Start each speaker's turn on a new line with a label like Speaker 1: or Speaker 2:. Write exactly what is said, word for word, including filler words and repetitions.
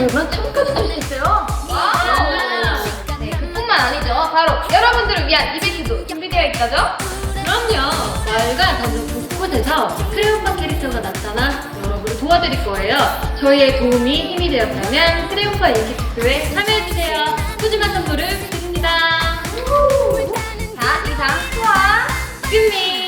Speaker 1: 그러면 춤까지 출 수 있어요.
Speaker 2: 와! 네, 그뿐만 아니죠. 바로 여러분들을 위한 이벤트도 준비되어 있다죠?
Speaker 1: 그럼요. 마을과 전국 곳곳에서 크레용파 캐릭터가 나타나 여러분을 도와드릴 거예요. 저희의 도움이 힘이 되었다면 크레용파 인기 투표에 참여해주세요. 푸짐한 선물을 드립니다.
Speaker 2: 자, 이상 수아
Speaker 1: 끝미